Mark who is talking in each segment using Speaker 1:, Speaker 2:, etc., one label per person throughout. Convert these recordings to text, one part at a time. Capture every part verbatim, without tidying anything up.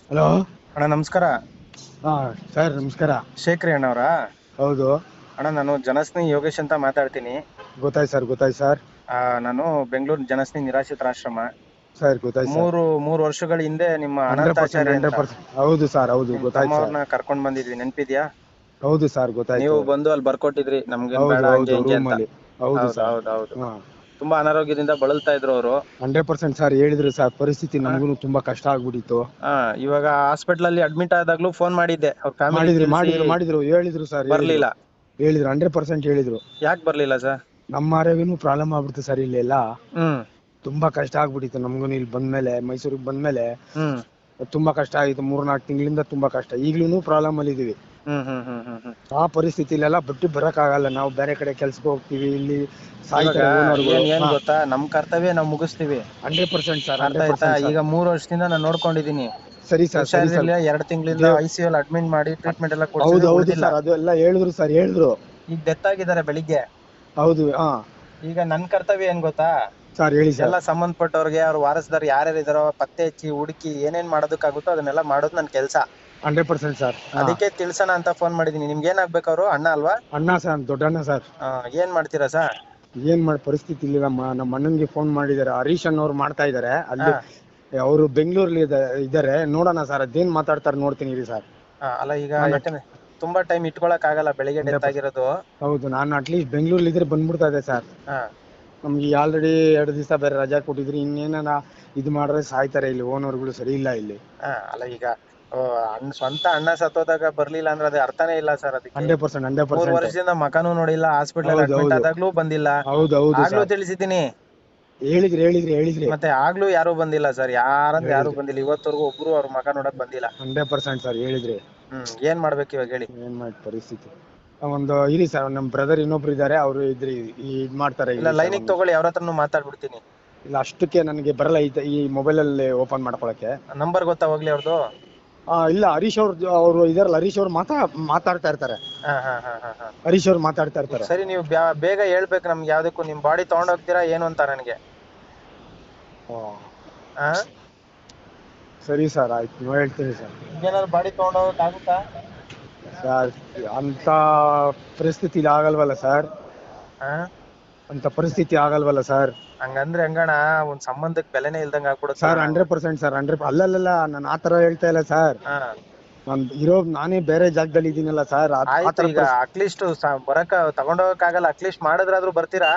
Speaker 1: Hello.
Speaker 2: ಅಣ್ಣ ನಮಸ್ಕಾರ.
Speaker 1: ಹಾ ಸರ್ ನಮಸ್ಕಾರ.
Speaker 2: ಶೇಖರಿ ಅಣ್ಣವರಾ?
Speaker 1: ಹೌದು.
Speaker 2: ಅಣ್ಣ ನಾನು ಜನಸ್ನೇಹಿ ಯೋಗೇಶ್ ಅಂತ ಮಾತಾಡ್ತೀನಿ.
Speaker 1: ಗೊತ್ತಾಯ್ತು ಸರ್ ಗೊತ್ತಾಯ್ತು ಸರ್.
Speaker 2: ಆ, ನಾನು ಬೆಂಗಳೂರು ಜನಸ್ನೇಹಿ ನಿರಾಶ್ರಿತರಾಶ್ರಮ.
Speaker 1: ಸರ್ ಗೊತ್ತಾಯ್ತು ಸರ್.
Speaker 2: ಮೂರು ಮೂರು ವರ್ಷಗಳ ಹಿಂದೆ ನಿಮ್ಮ
Speaker 1: ಹಂಡ್ರೆಡ್ ಪರ್ಸೆಂಟ್
Speaker 2: ಅನಂತಾಚಾರ್ಯ ಅಂತ
Speaker 1: ಹಂಡ್ರೆಡ್ ಪರ್ಸೆಂಟ್ ಹೌದು ಸರ್ ಹೌದು
Speaker 2: ನಿಮ್
Speaker 1: ಗೊತ್ತಾಯ್ತು ಸರ್.
Speaker 2: ತಮ್ಮವ್ರನ್ನ ಕರ್ಕೊಂಡ್ ಬಂದಿದ್ವಿ, ನೆನ್ಪಿದ್ಯಾ?
Speaker 1: ಹೌದು ಸರ್
Speaker 2: ನೀವು
Speaker 1: ಗೊತ್ತಾಯ್ತು.
Speaker 2: ಬಂದು ಅಲ್ಲಿ ಬರ್ಕೊಟ್ಟಿದ್ರಿ ನಮ್ಗೇನ್ ಬೇಡ
Speaker 1: ಹೌದು
Speaker 2: ಹಂಗೆ
Speaker 1: ಹೌದು
Speaker 2: ಹಿಂಗೆ ಅಂತ.
Speaker 1: ರೂಮಲ್ಲಿ. ಹೌದು
Speaker 2: ಹೌದು
Speaker 1: ಸರ್.
Speaker 2: ಹೌದು ಹೌದು.
Speaker 1: ಹಾ.
Speaker 2: ತುಂಬಾ ಅನಾರೋಗ್ಯದಿಂದ ಬಳಲ್ತಾ ಇದ್ರು ಅವರು.
Speaker 1: ಹಂಡ್ರೆಡ್ ಪರ್ಸೆಂಟ್ ಸರ್ ಹೇಳಿದ್ರು ಸರ್, ಪರಿಸ್ಥಿತಿ ನಮಗೂ ತುಂಬಾ ಕಷ್ಟ ಆಗ್ಬಿಟ್ಟಿತ್ತು.
Speaker 2: ಹಾ, ಇವಾಗ ಹಾಸ್ಪಿಟಲ್ ಅಲ್ಲಿ ಅಡ್ಮಿಟ್ ಆದಾಗ್ಲೂ ಫೋನ್ ಮಾಡಿದ್ದೆ, ಅವ್ರ ಫ್ಯಾಮಿಲಿ
Speaker 1: ಮಾಡಿದ್ರು
Speaker 2: ತಿಳಿಸಿ
Speaker 1: ಮಾಡಿದ್ರು ಮಾಡಿದ್ರು ಹೇಳಿದ್ರು ಸರ್ ಹೇಳಿದ್ರು.
Speaker 2: ಬರ್ಲಿಲ್ಲ.
Speaker 1: ಹೇಳಿದ್ರು ಹಂಡ್ರೆಡ್ ಪರ್ಸೆಂಟ್ ಹೇಳಿದ್ರು.
Speaker 2: ಯಾಕೆ ಬರ್ಲಿಲ್ಲ ಸರ್?
Speaker 1: ನಮ್ಮ ಆರೋಗ್ಯನೂ ಪ್ರಾಬ್ಲಮ್ ಆಗ್ಬಿಡ್ತು ಸರ್ ಇಲ್ಲೆಲ್ಲ.
Speaker 2: ಹ್ಮ್
Speaker 1: ತುಂಬಾ ಕಷ್ಟ ಆಗ್ಬಿಟ್ಟಿತ್ತು ನಮಗೂ ಇಲ್ಲಿ ಬಂದ್ಮೇಲೆ, ಮೈಸೂರಿಗೆ ಬಂದ್ಮೇಲೆ
Speaker 2: ಹ್ಮ್
Speaker 1: ತುಂಬಾ ಕಷ್ಟ ಆಗಿತ್ತು. ಮೂರ್ನಾಲ್ಕು ತಿಂಗಳಿಂದ ತುಂಬಾ ಕಷ್ಟ. ಈಗ್ಲೂ ಪ್ರಾಬ್ಲಮ್ ಅಲ್ಲಿ ಇದೀವಿ.
Speaker 2: ಹ್ಮ್ ಹ್ಮ್ ಹ್ಮ್ ಹ್ಮ್ ಹ್ಮ್
Speaker 1: ಆ ಪರಿಸ್ಥಿತಿಲೆಲ್ಲ ಬಿಟ್ಟು ಬರಕ್ ಆಗಲ್ಲ. ನಾವು ಬೇರೆ ಕಡೆ ಕೆಲ್ಸಕ್ಕೆ ಹೋಗ್ತೀವಿ, ಇಲ್ಲಿ
Speaker 2: ಇವಾಗ
Speaker 1: ಸಾಯ್ತಾರೆ ಓನರ್ಗಳು.
Speaker 2: ಏನ್ ಏನ್ ಗೊತ್ತಾ, ನಮ್ ಕರ್ತವ್ಯ ನಾವ್ ಮುಗಿಸ್ತೀವಿ.
Speaker 1: ಹಂಡ್ರೆಡ್ ಪರ್ಸೆಂಟ್ ಸರ್
Speaker 2: ಅರ್ಥ
Speaker 1: ಹಂಡ್ರೆಡ್
Speaker 2: ಆಯ್ತಾ?
Speaker 1: Percent sir.
Speaker 2: ಈಗ ಮೂರು ವರ್ಷದಿಂದ ನಾನು ನೋಡ್ಕೊಂಡಿದೀನಿ.
Speaker 1: ಸರಿ ಸರ್ ಸರಿ ಸರ್.
Speaker 2: ಹುಷಾರಿರ್ಲಿಲ್ಲ, ಎರಡ್ ತಿಂಗಳಿಂದ
Speaker 1: ದೇವ್
Speaker 2: ಐ ಸಿ ಯು ಅಲ್ಲಿ ಅಡ್ಮಿಟ್ ಮಾಡಿ ಟ್ರೀಟ್ಮೆಂಟ್ ಎಲ್ಲ
Speaker 1: ಹೌದು
Speaker 2: ಕೊಡ್ಸಿದ್ವಿ,
Speaker 1: ಹೌದು
Speaker 2: ಉಳ್ದಿಲ್ಲ.
Speaker 1: ಸರ್, ಅದು ಎಲ್ಲ ಹೇಳಿದ್ರು ಸರ್ ಹೇಳಿದ್ರು.
Speaker 2: ಈಗ ಡೆತ್ ಆಗಿದ್ದಾರೆ ಬೆಳಿಗ್ಗೆ.
Speaker 1: ಹೌದು. ಹಾ
Speaker 2: ಈಗ ನನ್ ಕರ್ತವ್ಯ ಏನ್ ಗೊತ್ತಾ,
Speaker 1: ಸರ್ ಹೇಳಿ ಸರ್.
Speaker 2: ಎಲ್ಲ ಸಂಬಂಧಪಟ್ಟವ್ರಿಗೆ, ಅವ್ರ ವಾರಸದಾರ್ ಯಾರ್ಯಾರು ಇದಾರೋ ಪತ್ತೆ ಹಚ್ಚಿ ಹುಡುಕಿ ಏನೇನ್ ಮಾಡೋದಕ್ಕಾಗುತ್ತೋ ಅದನ್ನೆಲ್ಲ ಮಾಡೋದು ನನ್ ಕೆಲ್ಸ.
Speaker 1: Hundred percent sir.
Speaker 2: ಅದಕ್ಕೆ ತಿಳ್ಸೋಣ ಅಂತ ಫೋನ್ ಮಾಡಿದೀನಿ. ನಿಮ್ಗೆ ಏನಾಗ್ಬೇಕು? ಅವರು ಅಣ್ಣ ಅಲ್ವಾ?
Speaker 1: ಅಣ್ಣ ಸರ್, ದೊಡ್ಡ ಅಣ್ಣ ಸರ್.
Speaker 2: ಆ, ಏನ್ ಮಾಡ್ತೀರಾ ಸರ್?
Speaker 1: ಏನ್ ಮಾಡಿ ಪರಿಸ್ಥಿತಿ ಇಲ್ಲ. ನಮ್ಮ ನಮ್ಮ ಅಣ್ಣನ್ಗೆ ಫೋನ್ ಮಾಡಿದ್ದಾರೆ, ಹರೀಶ್ ಅನ್ನೋರು ಮಾಡ್ತಾ ಇದಾರೆ ಅಲ್ಲಿ.
Speaker 2: ಹಾ
Speaker 1: ಅವರು ಬೆಂಗಳೂರಲ್ಲಿ ಇದ್ದಾರೆ. ನೋಡೋಣ ಸರ್, ಅದೇನ್ ಮಾತಾಡ್ತಾರೆ ನೋಡ್ತೀನಿ ಇರಿ ಸರ್.
Speaker 2: ಹಾ, ಅಲ್ಲ ಈಗ
Speaker 1: ನಾನು
Speaker 2: ಯಾಕಂದ್ರೆ ತುಂಬಾ ಟೈಮ್ ಇಟ್ಕೊಳಕ್ ಆಗಲ್ಲ, ಬೆಳಿಗ್ಗೆ
Speaker 1: ಹಂಡ್ರೆಡ್
Speaker 2: ಡೆತ್
Speaker 1: ಪರ್ಸೆಂಟ್
Speaker 2: ಆಗಿರೋದು.
Speaker 1: ಹೌದು. ನಾನು ಅಟ್ಲೀಸ್ಟ್ ಬೆಂಗಳೂರಲ್ಲಿ ಇದ್ರೆ ಬಂದ್ಬಿಡ್ತಾ ಇದೆ ಸರ್.
Speaker 2: ಹಾ
Speaker 1: ನಮ್ಗೆ ಆಲ್ರೆಡಿ ಎರಡು ದಿವಸ ಬೇರೆ ರಜಾ ಕೊಟ್ಟಿದ್ರು. ಇನ್ನೇನ ಇದು ಮಾಡ್ರೆ ಸಾಯ್ತಾರೆ ಇಲ್ಲಿ, ಓನರ್ಗಳು ಸರಿ ಇಲ್ಲ ಇಲ್ಲಿ.
Speaker 2: ಹಾ, ಅಲ್ಲ ಈಗ ಆ, ಅಣ್ಣ ಸ್ವಂತ ಅಣ್ಣ ಸತ್ತೋದಾಗ ಬರ್ಲಿಲ್ಲ ಅಂದ್ರೆ ಅದು ಅರ್ಥನೇ ಇಲ್ಲ ಸರ್. ಅದಕ್ಕೆ
Speaker 1: ಹಂಡ್ರೆಡ್ ಪರ್ಸೆಂಟ್ ಹಂಡ್ರೆಡ್
Speaker 2: ಮೂರ್
Speaker 1: ಪರ್ಸೆಂಟ್
Speaker 2: ವರ್ಷದಿಂದ ಮಕನೂ ನೋಡಿಲ್ಲ, ಹಾಸ್ಪಿಟಲ್ ಅಲ್ಲಿ
Speaker 1: ಹೌದು
Speaker 2: ಅಡ್ಮಿಟ್
Speaker 1: ಹೌದು
Speaker 2: ಆದಾಗ್ಲೂ ಬಂದಿಲ್ಲ.
Speaker 1: ಹೌದು ಹೌದು
Speaker 2: ಆಗ್ಲೂ
Speaker 1: ಸರ್.
Speaker 2: ತಿಳಿಸಿದ್ದೀನಿ,
Speaker 1: ಹೇಳಿದ್ರಿ ಹೇಳಿದ್ರಿ ಹೇಳಿದ್ರಿ
Speaker 2: ಮತ್ತೆ ಆಗ್ಲೂ ಯಾರು ಬಂದಿಲ್ಲ ಸರ್. ಯಾರಂದ್ರೆ ಯಾರು
Speaker 1: ಹೇಳಿದ್ರಿ
Speaker 2: ಬಂದಿಲ್ಲ, ಇವತ್ತವರೆಗೂ ಒಬ್ರು ಅವ್ರ ಮಕ ನೋಡಕ್ ಬಂದಿಲ್ಲ.
Speaker 1: ಹಂಡ್ರೆಡ್ ಪರ್ಸೆಂಟ್ ಸರ್ ಹೇಳಿದ್ರಿ.
Speaker 2: ಹ್ಮ್ ಏನ್ ಮಾಡ್ಬೇಕು ಇವಾಗ ಹೇಳಿ?
Speaker 1: ಏನ್ ಮಾಡಿ ಪರಿಸ್ಥಿತಿ. ಒಂದು ಇರಿ ಸರ್, ನಮ್ಮ ಬ್ರದರ್ ಇನ್ನೊಬ್ರು ಇದ್ದಾರೆ, ಅವರು ಇದ್ರಿ ಇದ್ ಮಾಡ್ತಾರೆ
Speaker 2: ಇಲ್ಲ,
Speaker 1: ಇರಿ ಸರ್.
Speaker 2: ಲೈನಿಗೆ
Speaker 1: ಒಂದು
Speaker 2: ತಗೊಳ್ಳಿ, ಅವ್ರ ಹತ್ರನು ಮಾತಾಡ್ಬಿಡ್ತೀನಿ.
Speaker 1: ಇಲ್ಲ ಅಷ್ಟಕ್ಕೆ ನನಗೆ ಬರಲ್ಲ ಈ ಈ ಮೊಬೈಲ್ ಅಲ್ಲಿ ಓಪನ್ ಮಾಡ್ಕೊಳಕ್ಕೆ.
Speaker 2: ನಂಬರ್ ಗೊತ್ತಾ ಹೋಗ್ಲಿ ಅವ್ರದ್ದು?
Speaker 1: ಆ ಇಲ್ಲ, ಹರೀಶ್ ಅವ್ರ ಅವರು ಇದಾರಲ್ಲ, ಹರೀಶ್ ಅವ್ರು ಮಾತಾ ಮಾತಾಡ್ತಾ ಇರ್ತಾರೆ.
Speaker 2: ಹಾ ಹಾ ಹಾ ಹಾ ಹಾ
Speaker 1: ಹರೀಶ್ ಅವ್ರು ಮಾತಾಡ್ತಾ ಇರ್ತಾರೆ.
Speaker 2: ಸರಿ, ನೀವು ಬ್ಯಾ- ಬೇಗ ಹೇಳ್ಬೇಕು ನಮ್ಗೆ. ಯಾವ್ದಕ್ಕೂ ನಿಮ್ ಬಾಡಿ ತಗೊಂಡೋಗ್ತೀರಾ ಏನು ಅಂತ ನನಗೆ.
Speaker 1: ಓ,
Speaker 2: ಹಾ,
Speaker 1: ಸರಿ ಸರ್ ಆಯ್ತು, ನೀವು ಹೇಳ್ತೀನಿ ಸರ್.
Speaker 2: ಈಗೇನಾದ್ರು ಬಾಡಿ ತಗೊಂಡೋಗಕ್ ಆಗುತ್ತಾ?
Speaker 1: ಸರ್ ಅಂತ ಪರಿಸ್ಥಿತಿ ಆಗಲ್ವಲ್ಲ ಸರ್.
Speaker 2: ಹಾ,
Speaker 1: ಅಂತ ಪರಿಸ್ಥಿತಿ ಆಗಲ್ವಲ್ಲ ಸರ್.
Speaker 2: ಹಂಗಂದ್ರೆ ಹಂಗಣ, ಒಂದ್ ಸಂಬಂಧಕ್ ಬೆಲೆನೇ ಇಲ್ದಂಗ ಆಗ್ಬಿಡುತ್ತಲ್ಲ
Speaker 1: ಸರ್
Speaker 2: ನಂಗೆ.
Speaker 1: ಹಂಡ್ರೆಡ್ ಪರ್ಸೆಂಟ್ ಸರ್ ಹಂಡ್ರೆಡ್ ಅಲ್ಲಲ್ಲ, ನಾನು ಆತರ ಹೇಳ್ತಾ ಇಲ್ಲ ಸರ್.
Speaker 2: ಹಾ,
Speaker 1: ನಾನು ಇರೋ ನಾನೇ ಬೇರೆ ಜಾಗದಲ್ಲಿ ಇದೀನಲ್ಲ ಸರ್.
Speaker 2: ಆಯ್ತು.
Speaker 1: ಆತರ
Speaker 2: ಈಗ ಅಟ್ಲೀಸ್ಟ್ ಬರಕ ತಗೊಂಡೋಗಕ್ ಆಗಲ್ಲ, ಅಟ್ಲೀಸ್ಟ್ ಮಾಡಿದ್ರಾದ್ರೂ ಬರ್ತೀರಾ?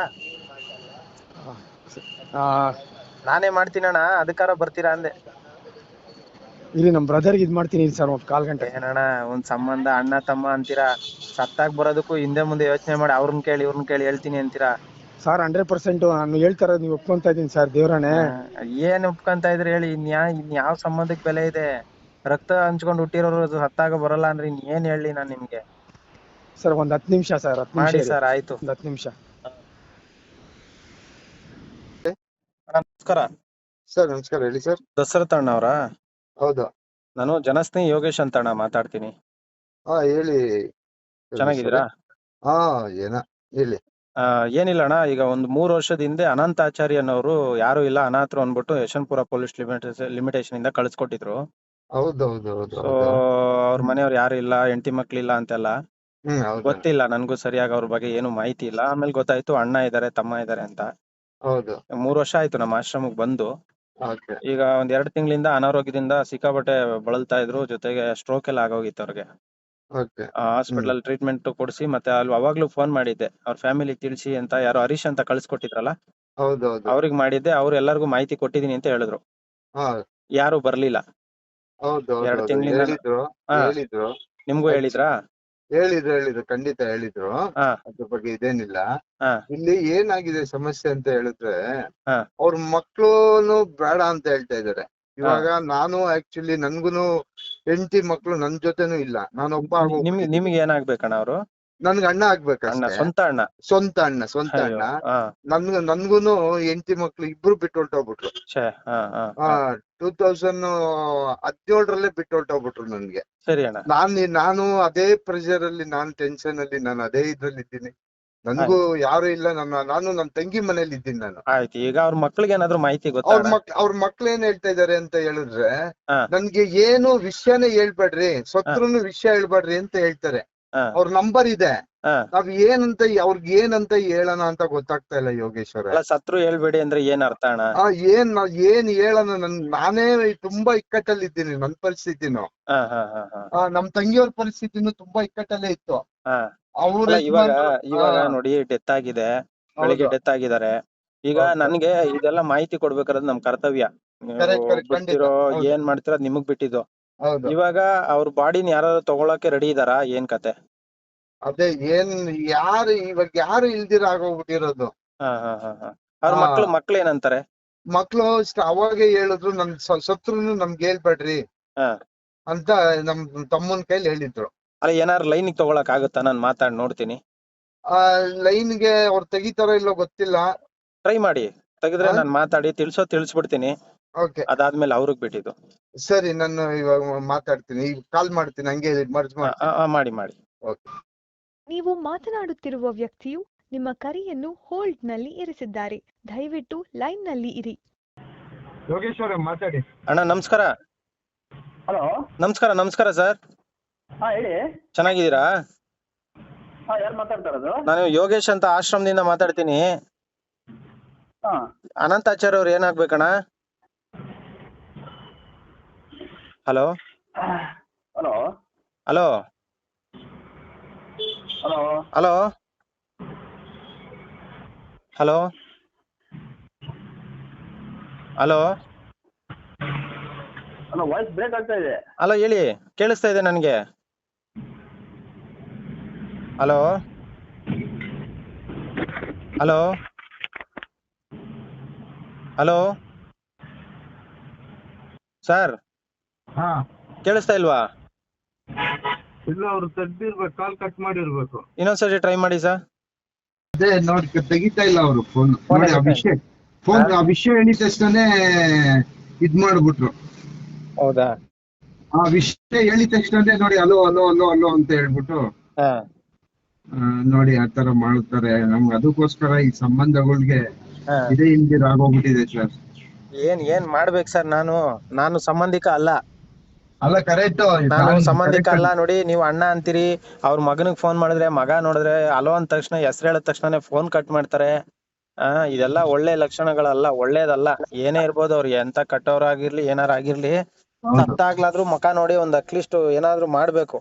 Speaker 2: ನಾನೇ ಮಾಡ್ತೀನಣ್ಣ, ಅದಕ್ಕಾರ ಬರ್ತೀರಾ ಅಂದೆ.
Speaker 1: ಇಲ್ಲಿ ನಮ್ಮ ಬ್ರದರ್ಗೆ ಇದ್ ಮಾಡ್ತೀನಿ ಸರ್, ಒಂದು ಕಾಲ್ ಗಂಟೆ.
Speaker 2: ಏನಣ್ಣ, ಒಂದ್ ಸಂಬಂಧ ಅಣ್ಣ ತಮ್ಮ ಅಂತೀರಾ, ಸತ್ತಾಗ್ ಬರೋದಕ್ಕೂ ಹಿಂದೆ ಮುಂದೆ ಯೋಚನೆ ಮಾಡಿ ಅವ್ರನ್ನ ಕೇಳಿ ಇವ್ರನ್ನ ಕೇಳಿ ಹೇಳ್ತೀನಿ ಅಂತೀರಾ
Speaker 1: ಸರ್. ಹಂಡ್ರೆಡ್ ಪರ್ಸೆಂಟ್ ನಾನು ಹೇಳ್ತಾರ ನೀವು ಒಪ್ಕೊಂತ ಇದೀನಿ ಸರ್, ದೇವ್ರಾಣೆ.
Speaker 2: ಏನ್ ಒಪ್ಕೊಂತ ಇದ್ರಿ ಹೇಳಿ? ಇನ್ಯಾ ಇನ್ ಯಾವ ಸಂಬಂಧಕ್ ಬೆಲೆ ಇದೆ? ರಕ್ತ ಹಂಚ್ಕೊಂಡು ಹುಟ್ಟಿರೋರು ಸತ್ತಾಗ ಬರಲ್ಲ ಅಂದ್ರೆ ಇನ್ ಏನ್ ಹೇಳಿ ನಾನ್ ನಿಮ್ಗೆ?
Speaker 1: ಸರ್ ಒಂದ್ ಹತ್ತು ನಿಮಿಷ ಸರ್, ಹತ್ತು ನಿಮಿಷ
Speaker 2: ಮಾಡಿ
Speaker 1: ಇರಿ.
Speaker 2: ಸರ್, ಆಯ್ತು.
Speaker 1: ಒಂದ್ ಹತ್ತು ನಿಮಿಷ.
Speaker 2: ನಮಸ್ಕಾರ
Speaker 3: ಸರ್. ನಮಸ್ಕಾರ, ಹೇಳಿ ಸರ್.
Speaker 2: ದಶರಥ ಅಣ್ಣ ಅವರಾ?
Speaker 3: ಹೌದು.
Speaker 2: ನಾನು ಜನಸ್ನೇಹಿ ಯೋಗೇಶ್ ಅಂತ ಅಣ್ಣ ಮಾತಾಡ್ತೀನಿ.
Speaker 3: ಹಾ ಹೇಳಿ.
Speaker 2: ಚೆನ್ನಾಗಿದ್ದೀರಾ?
Speaker 3: ಹಾ ಏನ ಹೇಳಿ.
Speaker 2: ಆ, ಏನಿಲ್ಲ ಅಣ್ಣ, ಈಗ ಒಂದ್ ಮೂರ್ ವರ್ಷದ ಹಿಂದೆ ಅನಂತಾಚಾರಿ ಅನ್ನೋರು, ಯಾರು ಇಲ್ಲ ಅನಾಥರು ಅಂದ್ಬಿಟ್ಟು ಯಶವಂತಪುರ ಪೊಲೀಸ್ ಲಿಮಿಟೇಷನ್ ಇಂದ ಕಳ್ಸಿಕೊಟ್ಟಿದ್ರು.
Speaker 3: ಹೌದೌದು ಹೌದು
Speaker 2: ಸೊ
Speaker 3: ಹೌದು.
Speaker 2: ಅವ್ರ
Speaker 3: ಹ್ಮ್
Speaker 2: ಮನೆಯವ್ರು ಯಾರು ಇಲ್ಲ, ಹೆಂಡತಿ ಮಕ್ಳಿಲ್ಲ ಅಂತೆಲ್ಲ
Speaker 3: ಹ್ಮ್ ಹೌದು
Speaker 2: ಗೊತ್ತಿಲ್ಲ ನನ್ಗೂ ಸರಿಯಾಗಿ, ಅವ್ರ ಬಗ್ಗೆ ಏನು ಮಾಹಿತಿ ಇಲ್ಲ. ಆಮೇಲೆ ಗೊತ್ತಾಯ್ತು ಅಣ್ಣ ಇದಾರೆ ತಮ್ಮ ಇದಾರೆ ಅಂತ.
Speaker 3: ಹೌದು.
Speaker 2: ಮೂರ್ ವರ್ಷ ಆಯ್ತು ನಮ್ಮ ಆಶ್ರಮಕ್ ಬಂದು.
Speaker 3: ಓಕೆ.
Speaker 2: ಈಗ ಒಂದ್ ಎರಡ್ ತಿಂಗಳಿಂದ ಅನಾರೋಗ್ಯದಿಂದ ಸಿಕ್ಕಾಪಟ್ಟೆ ಬಳಲ್ತಾ ಇದ್ರು, ಜೊತೆಗೆ ಸ್ಟ್ರೋಕ್ ಎಲ್ಲ ಆಗೋಗಿತ್ತು ಅವ್ರಿಗೆ.
Speaker 3: ಓಕೆ. ಹ್ಮ್
Speaker 2: ಹಾಸ್ಪಿಟಲ್ ಟ್ರೀಟ್ಮೆಂಟ್ ಕೊಡಿಸಿ, ಮತ್ತೆ ಅಲ್ಲಿ ಅವಾಗ್ಲೂ ಫೋನ್ ಮಾಡಿದ್ದೆ, ಅವ್ರ ಫ್ಯಾಮಿಲಿ ತಿಳಿಸಿ ಅಂತ. ಯಾರೋ ಹರೀಶ್ ಅಂತ ಕಳ್ಸಿಕೊಟ್ಟಿದ್ರಲ್ಲ,
Speaker 3: ಹೌದೌದು.
Speaker 2: ಅವ್ರಿಗೆ ಮಾಡಿದ್ದೆ. ಅವ್ರು ಎಲ್ಲರಿಗೂ ಮಾಹಿತಿ ಕೊಟ್ಟಿದೀನಿ ಅಂತ ಹೇಳಿದ್ರು.
Speaker 3: ಹಾ
Speaker 2: ಯಾರು ಬರ್ಲಿಲ್ಲ
Speaker 3: ಹೌದೌದು
Speaker 2: ಎರಡ್
Speaker 3: ಹೌದು
Speaker 2: ತಿಂಗಳಿಂದ.
Speaker 3: ಹೇಳಿದ್ರು.
Speaker 2: ಹಾ,
Speaker 3: ಹೇಳಿದ್ರು.
Speaker 2: ನಿಮ್ಗೂ
Speaker 3: ಆಕ್ಚು-
Speaker 2: ಹೇಳಿದ್ರಾ?
Speaker 3: ಹೇಳಿದ್ರು ಹೇಳಿದ್ರು ಖಂಡಿತ ಹೇಳಿದ್ರು.
Speaker 2: ಹಾ
Speaker 3: ಅದ್ರ ಬಗ್ಗೆ ಇದೇನಿಲ್ಲ.
Speaker 2: ಹಾ
Speaker 3: ಇಲ್ಲಿ ಏನಾಗಿದೆ ಸಮಸ್ಯೆ ಅಂತ ಹೇಳಿದ್ರೆ,
Speaker 2: ಹಾ
Speaker 3: ಅವ್ರ ಮಕ್ಳುನು ಬೇಡ ಅಂತ ಹೇಳ್ತಾ ಇದಾರೆ.
Speaker 2: ಹಾ
Speaker 3: ಇವಾಗ ನಾನು ಆಕ್ಚುಲಿ ನನ್ಗುನು ಹೆಂಡತಿ ಮಕ್ಳು ನನ್ ಜೊತೆನೂ ಇಲ್ಲ, ನಾನೊಬ್ಬ
Speaker 2: ನಿ- ನಿಮ್ಗೆ
Speaker 3: ಆಗೋಗ್ಬಿಟ್ಟಿದ್ದೀನಿ.
Speaker 2: ನಿಮ್ಗೆ ಏನಾಗ್ಬೇಕಣ್ಣ ಅವರು?
Speaker 3: ನನ್ಗೆ ಅಣ್ಣ
Speaker 2: ಅಣ್ಣ,
Speaker 3: ಆಗ್ಬೇಕಷ್ಟೇ.
Speaker 2: ಸ್ವಂತ ಅಣ್ಣ?
Speaker 3: ಸ್ವಂತ ಅಣ್ಣ ಸ್ವಂತ
Speaker 2: ಅಯ್ಯೋ,
Speaker 3: ಅಣ್ಣ.
Speaker 2: ಹಾ
Speaker 3: ನನ್ಗ ನನ್ಗುನು ಹೆಂಡತಿ ಮಕ್ಳು ಇಬ್ರು ಬಿಟ್ಟು ಹೊರ್ಟೋಗ್ಬಿಟ್ರು.
Speaker 2: ಛೇ, ಹಾ ಹಾ
Speaker 3: ಆ
Speaker 2: ಹಾ
Speaker 3: ಟೂ ತೌಸಂಡ್ ಹದಿನೇಳರಲ್ಲೇ ಬಿಟ್ಟು ಹೊರ್ಟೋಗ್ಬಿಟ್ರು ನನ್ಗೆ.
Speaker 2: ಸರಿ ಅಣ್ಣ.
Speaker 3: ನಾನ್ ನಾನು ಅದೇ ಪ್ರೆಷರ್ ಅಲ್ಲಿ, ನಾನ್ ಟೆನ್ಷನ್ ಅಲ್ಲಿ, ನಾನು ಅದೇ ಇದ್ರಲ್ಲಿ ಇದ್ದೀನಿ. ನನ್ಗೂ ಯಾರು ಇಲ್ಲ, ನನ್ನ ನಾನು ನನ್ನ ತಂಗಿ ಮನೇಲಿ ಇದ್ದೀನಿ ನಾನು.
Speaker 2: ಆಯ್ತು, ಈಗ ಅವ್ರ ಮಕ್ಳಿಗೆ ಏನಾದ್ರು ಮಾಹಿತಿ ಗೊತ್ತಾ
Speaker 3: ಅವ್ರ
Speaker 2: ಅಣ್ಣ?
Speaker 3: ಮಕ್ ಅವ್ರ ಮಕ್ಳು ಏನ್ ಹೇಳ್ತಾ ಇದಾರೆ ಅಂತ ಹೇಳಿದ್ರೆ,
Speaker 2: ಹಾ.
Speaker 3: ನನ್ಗೆ ಏನು ವಿಷಯನೇ ಹೇಳ್ಬೇಡ್ರಿ, ಸತ್ರುನು ವಿಷಯ ಹೇಳ್ಬೇಡ್ರಿ ಅಂತ ಹೇಳ್ತಾರೆ.
Speaker 2: ಹಾ.
Speaker 3: ಅವ್ರ ನಂಬರ್ ಇದೆ,
Speaker 2: ಹಾ.
Speaker 3: ನಾವ್ ಏನಂತ ಅವ್ರಿಗೆ ಏನಂತ ಹೇಳೋಣ ಅಂತ ಗೊತ್ತಾಗ್ತಾ ಇಲ್ಲ ಯೋಗೇಶ್ವರ.
Speaker 2: ಅಲ್ಲ, ಸತ್ರು ಹೇಳ್ಬೇಡಿ ಅಂದ್ರೆ ಏನ್ ಅರ್ಥ ಅಣ್ಣ?
Speaker 3: ಆ ಏನ್ ನಾವ್ ಏನ್ ಹೇಳೋಣ, ನನ್ ನಾನೇ ತುಂಬಾ ಇಕ್ಕಟ್ಟಲ್ಲಿ ಇದ್ದೀನಿ. ನನ್ ಪರಿಸ್ಥಿತಿನು,
Speaker 2: ಹಾ ಹಾ ಹಾ ಹಾ
Speaker 3: ಆ ನಮ್ ತಂಗಿಯವ್ರ ಪರಿಸ್ಥಿತಿನು ತುಂಬಾ ಇಕ್ಕಟ್ಟಲ್ಲೇ ಇತ್ತು.
Speaker 2: ಹಾ.
Speaker 3: ಅವ್ರ
Speaker 2: ಅಲ್ಲ, ಇವಾಗ
Speaker 3: ಯಜಮಾನ್ರು-
Speaker 2: ಇವಾಗ
Speaker 3: ಆ,
Speaker 2: ನೋಡಿ, ಡೆತ್ ಆಗಿದೆ, ಬೆಳಿಗ್ಗೆ
Speaker 3: ಹೌದು.
Speaker 2: ಡೆತ್ ಆಗಿದ್ದಾರೆ. ಈಗ
Speaker 3: ಹೌದು.
Speaker 2: ನನ್ಗೆ ಇದೆಲ್ಲ ಮಾಹಿತಿ ಕೊಡ್ಬೇಕಾದ್ರೆ ನಮ್ ಕರ್ತವ್ಯ. ನೀವು
Speaker 3: Correct, correct, ಖಂಡಿತ.
Speaker 2: ಬಿಡ್ತಿರೋ
Speaker 3: ಹೌದು.
Speaker 2: ಏನ್ ಮಾಡ್ತಿರೋ ಅದ್ ನಿಮಗ್ ಬಿಟ್ಟಿದ್ದು.
Speaker 3: ಹೌದು.
Speaker 2: ಇವಾಗ ಅವ್ರ ಬಾಡಿನ ಯಾರು ತಗೊಳಕ್ಕೆ ರೆಡಿ ಇದಾರಾ? ಏನ್ ಕತೆ?
Speaker 3: ಅದೇ ಏನ್ ಯಾರು ಇವಾಗ ಯಾರು ಇಲ್ದಿರ ಆಗೋಗ್ಬಿಟ್ಟಿರೋದು.
Speaker 2: ಹಾ ಹಾ ಹಾ ಹಾ ಅವ್ರ
Speaker 3: ಹಾ.
Speaker 2: ಮಕ್ಳು ಮಕ್ಳು ಏನಂತಾರೆ?
Speaker 3: ಮಕ್ಳು ಅಷ್ಟ್ ಅವಾಗೆ ಹೇಳಿದ್ರು, ನನ್ ಸ- ಸತ್ರುನು ನಮ್ಗೆ ಹೇಳ್ಬೇಡ್ರಿ
Speaker 2: ಹಾ.
Speaker 3: ಅಂತ ನಮ್ ತಮ್ಮನ್ ಕೈಲಿ ಹೇಳಿದ್ರು.
Speaker 2: ಅಲ್ಲ, ಏನಾರು ಲೈನಿಗೆ ತಗೊಳಕ್ ಆಗುತ್ತಾ? ನಾನ್ ಮಾತಾಡ್ ನೋಡ್ತೀನಿ.
Speaker 3: ಆ ಲೈನ್ಗೆ ಅವ್ರು ತೆಗಿತಾರೋ ಇಲ್ಲೋ ಗೊತ್ತಿಲ್ಲ.
Speaker 2: ಟ್ರೈ ಮಾಡಿ, ತೆಗೆದ್ರೆ
Speaker 3: ಹಾ?
Speaker 2: ನಾನ್ ಮಾತಾಡಿ ತಿಳ್ಸೋ ತಿಳಿಸ್ಬಿಡ್ತೀನಿ.
Speaker 3: ಓಕೆ,
Speaker 2: ಅದಾದ್ಮೇಲೆ ಅವ್ರಿಗೆ ಬಿಟ್ಟಿದ್ದು.
Speaker 3: ಸರಿ, ನಾನು ಇವಾಗ ಮಾತಾಡ್ತೀನಿ, ಈಗ ಕಾಲ್ ಮಾಡ್ತೀನಿ, ಹಂಗೆ ಮರ್ಜ್
Speaker 2: ಆ,
Speaker 3: ಮಾಡ್ತೀನಿ.
Speaker 2: ಆ, ಮಾಡಿ ಮಾಡಿ.
Speaker 3: ಓಕೆ.
Speaker 4: ನೀವು ಮಾತನಾಡುತ್ತಿರುವ ವ್ಯಕ್ತಿಯು ನಿಮ್ಮ ಕರೆಯನ್ನು ಹೋಲ್ಡ್ನಲ್ಲಿ ಇರಿಸಿದ್ದಾರೆ. ದಯವಿಟ್ಟು ಲೈನ್ನಲ್ಲಿ ಇರಿ.
Speaker 3: ಯೋಗೇಶ್ವರ ಮಾತಾಡಿ.
Speaker 2: ಅಣ್ಣ ನಮಸ್ಕಾರ.
Speaker 5: ಹಲೋ.
Speaker 2: ನಮಸ್ಕಾರ ನಮಸ್ಕಾರ ಸರ್,
Speaker 5: ಹಾ ಹೇಳಿ.
Speaker 2: ಚೆನ್ನಾಗಿದ್ದೀರಾ?
Speaker 5: ಹಾ ಯಾರು ಮಾತಾಡ್ತಾ ಇರೋದು?
Speaker 2: ನಾನು ಯೋಗೇಶ್ ಅಂತ ಆಶ್ರಮದಿಂದ ಮಾತಾಡ್ತೀನಿ.
Speaker 5: ಹಾ
Speaker 2: ಅನಂತಾಚಾರ್ಯ ಅವ್ರು ಏನಾಗ್ಬೇಕಣ್ಣ? Hello
Speaker 5: hello
Speaker 2: hello
Speaker 5: hello
Speaker 2: hello hello hello
Speaker 5: hello voice break ಆಗ್ತಾ ಇದೆ.
Speaker 2: ಹಲೋ, ಹೇಳಿ, ಕೇಳಿಸ್ತಾ ಇದೆ ನನಗೆ. ಹಲೋ ಹಲೋ ಹಲೋ ಸರ್,
Speaker 3: ಹಾ,
Speaker 2: ಕೇಳಿಸ್ತಾ ಇಲ್ವಾ?
Speaker 3: ಇಲ್ಲ, ಅವ್ರು ತೆಗ್ದಿರ್ಬೇಕು, ಕಾಲ್ ಕಟ್ ಮಾಡಿರ್ಬೇಕು.
Speaker 2: ಇನ್ನೊಂದ್ಸರಿ ಟ್ರೈ ಮಾಡಿ ಸರ್.
Speaker 3: ಅದೇ ನೋಡಿ, ತೆಗಿತಾ ಇಲ್ಲ ಅವರು ಫೋನ್.
Speaker 2: Phone
Speaker 3: ನೋಡಿ, ಆ
Speaker 2: ತೆಗಿತಾ
Speaker 3: ವಿಷಯ ಫೋನ್ ಆ ವಿಷಯ ಹೇಳಿದ ತಕ್ಷಣನೇ ಇದ್ ಮಾಡ್ಬಿಟ್ರು.
Speaker 2: ಹೌದಾ?
Speaker 3: ಆ ವಿಷಯ ಹೇಳಿದ ತಕ್ಷಣನೇ ನೋಡಿ, ಅಲೋ ಅಲೋ ಅಲೋ ಅಲೋ ಅಂತ ಹೇಳ್ಬಿಟ್ಟು,
Speaker 2: ಹಾ.
Speaker 3: ಆ, ನೋಡಿ ಆ ತರ ಮಾಡ್ತಾರೆ. ನಮ್ಗೆ ಅದಕ್ಕೋಸ್ಕರ ಈ ಸಂಬಂಧಗಳಿಗೆ
Speaker 2: ಹಾ.
Speaker 3: ಇದೇ ಇಲ್ದಿರ ಆಗೋಗ್ಬಿಟ್ಟಿದೆ ಸರ್.
Speaker 2: ಏನ್ ಏನ್ ಮಾಡ್ಬೇಕು ಸರ್? ನಾನು ನಾನು ಸಂಬಂಧಿಕ ಅಲ್ಲ.
Speaker 3: ಅಲ್ಲ, ಕರೆಕ್ಟ್.
Speaker 2: ನಾನು ಸಂಬಂಧಿಕ ಅಲ್ಲ. ನೋಡಿ, ನೀವು ಅಣ್ಣ ಅಂತೀರಿ, ಅವ್ರ ಮಗನಿಗೆ ಫೋನ್ ಮಾಡಿದ್ರೆ ಮಗ ನೋಡಿದ್ರೆ ಅಲೋ ಅಂದ ತಕ್ಷಣ, ಹೆಸರು ಹೇಳಿದ ತಕ್ಷಣ ಫೋನ್ ಕಟ್ ಮಾಡ್ತಾರೆ. ಆ ಇದೆಲ್ಲ ಒಳ್ಳೆ ಲಕ್ಷಣಗಳಲ್ಲ, ಒಳ್ಳೇದಲ್ಲ. ಏನೇ ಇರ್ಬೋದು, ಅವ್ರಿಗೆ ಎಂತ ಕಟ್ಟೋರಾಗಿರ್ಲಿ ಏನಾರ ಆಗಿರ್ಲಿ, ಸತ್ತಾಗ್ಲಾದ್ರೂ ಮುಖ ನೋಡಿ ಒಂದ್ ಅಟ್ಲೀಸ್ಟ್ ಏನಾದ್ರು ಮಾಡ್ಬೇಕು.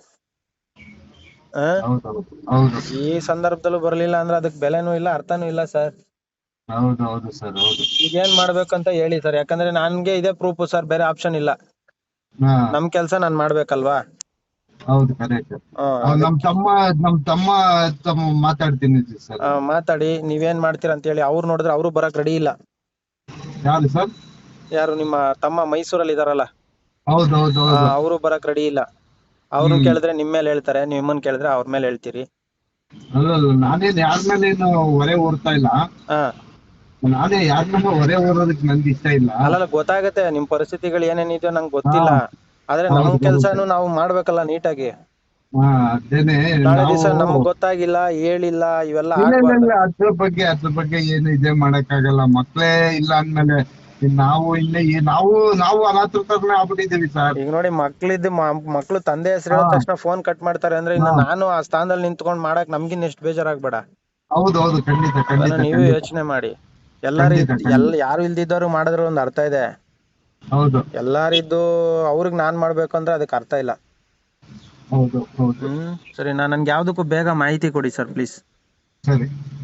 Speaker 2: ಆ
Speaker 3: ಹೌದು
Speaker 2: ಈ ಸಂದರ್ಭದಲ್ಲೂ ಬರ್ಲಿಲ್ಲ ಅಂದ್ರೆ ಅದಕ್ ಬೆಲೆನೂ ಇಲ್ಲ, ಅರ್ಥನೂ ಇಲ್ಲ ಸರ್.
Speaker 3: ಹೌದು ಹೌದು ಸರ್, ಹೌದು.
Speaker 2: ಈಗ ಏನ್ ಮಾಡ್ಬೇಕಂತ ಹೇಳಿ ಸರ್, ಯಾಕಂದ್ರೆ ನನ್ಗೆ ಇದೇ ಪ್ರೂಫ್ ಸರ್, ಬೇರೆ ಆಪ್ಷನ್ ಇಲ್ಲ.
Speaker 3: ಹಾ,
Speaker 2: ನಮ್ ಕೆಲ್ಸ ನಾನ್ ಮಾಡ್ಬೇಕಲ್ವಾ?
Speaker 3: ಹೌದು, ಕರೆಕ್ಟ್.
Speaker 2: ಹ್ಮ್
Speaker 3: ನಮ್ ತಮ್ಮ ನಮ್ ತಮ್ಮ ತಮ್ಮ ಮಾತಾಡ್ತೀನಿ ಸರ್.
Speaker 2: ಆ, ಮಾತಾಡಿ ನೀವೇನ್ ಮಾಡ್ತೀರಾ ಅಂತ ಹೇಳಿ. ಅವ್ರು ನೋಡಿದ್ರೆ ಅವರು ಬರಕ್ ರೆಡಿ ಇಲ್ಲ.
Speaker 3: ಯಾರು ಸರ್?
Speaker 2: ಯಾರು? ನಿಮ್ಮ ತಮ್ಮ ಮೈಸೂರಲ್ಲಿ ಇದಾರಲ್ಲ,
Speaker 3: ಹೌದು ಹೌದು ಹೌದು.
Speaker 2: ಅವರು ಬರಕ್ ರೆಡಿ ಇಲ್ಲ. ಅವ್ರನ್ನ ಕೇಳಿದ್ರೆ ನಿಮ್ ಮೇಲೆ ಹೇಳ್ತಾರೆ, ನಿಮ್ಮನ್ ಕೇಳಿದ್ರೆ ಅವ್ರ ಮೇಲೆ ಹೇಳ್ತೀರಿ.
Speaker 3: ಅಲ್ಲ, ನಾನೇನ್ ಯಾರ ಮೇಲೇನು ಹೊರೆ ಹೊರ್ತಾ ಇಲ್ಲ.
Speaker 2: ಹಾ.
Speaker 3: ನಾನೇ ಯಾರ ಮೇಲೆ ಹೊರೆ ಹೊರೋದಕ್ಕೆ ನನ್ಗೆ ಇಷ್ಟ ಇಲ್ಲ.
Speaker 2: ಅಲ್ಲ, ಗೊತ್ತಾಗತ್ತೆ ನಿಮ್ ಪರಿಸ್ಥಿತಿಗಳು ಏನೇನಿದೆಯೋ ನಂಗೆ ಗೊತ್ತಿಲ್ಲ. ಆದ್ರೆ
Speaker 3: ಹೌದು,
Speaker 2: ನಮ್
Speaker 3: ಹೌದು.
Speaker 2: ಕೆಲ್ಸನು ನಾವು ಮಾಡ್ಬೇಕಲ್ಲ ನೀಟಾಗಿ.
Speaker 3: ಹಾ, ಅದೇನೆ.
Speaker 2: ನಾಳೆ
Speaker 3: ನಾವು
Speaker 2: ದಿವಸ ನಮಗ್ ಗೊತ್ತಾಗಿಲ್ಲ, ಹೇಳಿಲ್ಲ, ಇವೆಲ್ಲ
Speaker 3: ಇಲ್ಲ ಇಲ್ಲ
Speaker 2: ಆಗ್ಬಾರ್ದು.
Speaker 3: ಇಲ್ಲ, ಅದ್ರ ಬಗ್ಗೆ ಅದ್ರ ಬಗ್ಗೆ ಏನು ಇದೇ ಮಾಡಕ್ ಆಗಲ್ಲ. ಮಕ್ಳೇ ಇಲ್ಲ ಅಂದ್ಮೇಲೆ ಇನ್ ನಾವು ಇಲ್ಲೇ ಏ- ನಾವು ನಾವು ಅನಾಥರ ತರನೇ ಆಗ್ಬಿಟ್ಟಿದೀವಿ ಸರ್.
Speaker 2: ಈಗ ನೋಡಿ, ಮಕ್ಳಿದ್ದು ಮಕ್ಳು ತಂದೆ ಹೆಸರು ಹೇಳಿದ
Speaker 3: ಹಾ.
Speaker 2: ತಕ್ಷಣ ಫೋನ್ ಕಟ್ ಮಾಡ್ತಾರೆ ಅಂದ್ರೆ, ಇನ್ನು
Speaker 3: ಹಾ.
Speaker 2: ನಾನು ಆ ಸ್ಥಾನದಲ್ಲಿ ನಿಂತ್ಕೊಂಡ್ ಮಾಡಕ್ ನಮ್ಗಿನ್ ಎಷ್ಟು ಬೇಜಾರಾಗ್ಬೇಡ.
Speaker 3: ಹೌದು ಹೌದು, ಖಂಡಿತ ಖಂಡಿತ
Speaker 2: ಅದನ್ನ ನೀವು
Speaker 3: ಖಂಡಿತ.
Speaker 2: ಯೋಚನೆ ಮಾಡಿ. ಎಲ್ಲಾರು
Speaker 3: ಖಂಡಿತ, ಖಂಡಿತ.
Speaker 2: ಎಲ್ ಯಾರು ಇಲ್ದಿದ್ದವ್ರು ಮಾಡಿದ್ರು ಒಂದ್ ಅರ್ಥ ಇದೆ.
Speaker 3: ಹೌದು
Speaker 2: ಎಲ್ಲಾರಿದ್ದು ಅವ್ರಿಗೆ ನಾನ್ ಮಾಡ್ಬೇಕು ಅಂದ್ರೆ ಅದಕ್ಕೆ ಅರ್ಥ ಇಲ್ಲ.
Speaker 3: ಹೌದು ಹೌದು.
Speaker 2: ಹ್ಮ್ ಸರಿ, ನಾ ನನ್ಗೆ ಯಾವ್ದಕ್ಕೂ ಬೇಗ ಮಾಹಿತಿ ಕೊಡಿ ಸರ್ ಪ್ಲೀಸ್.
Speaker 3: ಸರಿ.